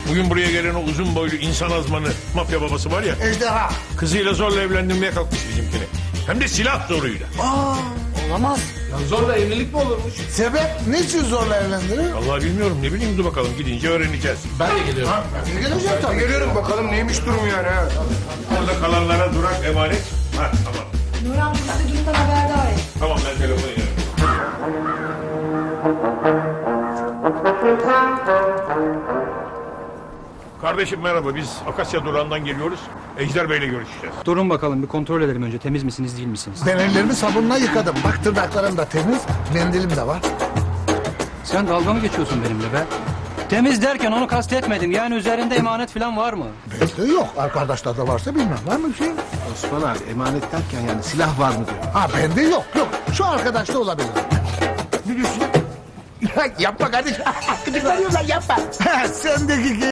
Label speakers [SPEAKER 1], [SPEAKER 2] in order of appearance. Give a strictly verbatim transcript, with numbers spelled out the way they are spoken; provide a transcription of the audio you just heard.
[SPEAKER 1] Bugün buraya gelen o uzun boylu insan azmanı mafya babası var ya.
[SPEAKER 2] Ejderha.
[SPEAKER 1] Kızıyla zorla evlendirmeye kalkmış bizimkini. Hem de silah zoruyla.
[SPEAKER 3] Olamaz.
[SPEAKER 4] Zorla evlilik mi olurmuş?
[SPEAKER 2] Sebep ne için zorla evlendirir?
[SPEAKER 1] Vallahi bilmiyorum, ne bileyim, dur bakalım, gidince öğreneceğiz.
[SPEAKER 4] Ben de geliyorum.
[SPEAKER 2] Ne geleceğim tabii.
[SPEAKER 5] Geliyorum bakalım neymiş durum yani ha.
[SPEAKER 1] Orada kalanlara durak emanet. Ha tamam.
[SPEAKER 6] Nur amca size durumdan haberdar et.
[SPEAKER 1] Tamam, ben telefonu yerim. Kardeşim merhaba, biz Akasya durağından geliyoruz. Ejder Bey'le görüşeceğiz.
[SPEAKER 3] Durun bakalım bir kontrol edelim önce temiz misiniz değil misiniz?
[SPEAKER 2] Ben ellerimi sabunla yıkadım. Bak tırnaklarım da temiz. Mendilim de var.
[SPEAKER 3] Sen dalga mı geçiyorsun benimle be? Temiz derken onu kastetmedim. Yani üzerinde emanet falan var mı?
[SPEAKER 2] Bende yok. Arkadaşlarda varsa bilmem. Var mı bir şey?
[SPEAKER 4] Osman abi emanet derken yani silah var mı diyor.
[SPEAKER 2] Ha bende yok. Yok. Şu arkadaşta olabilir. Ne diyorsun? yapma kardeşim. Gıdıklanıyorlar yapma. Sendeki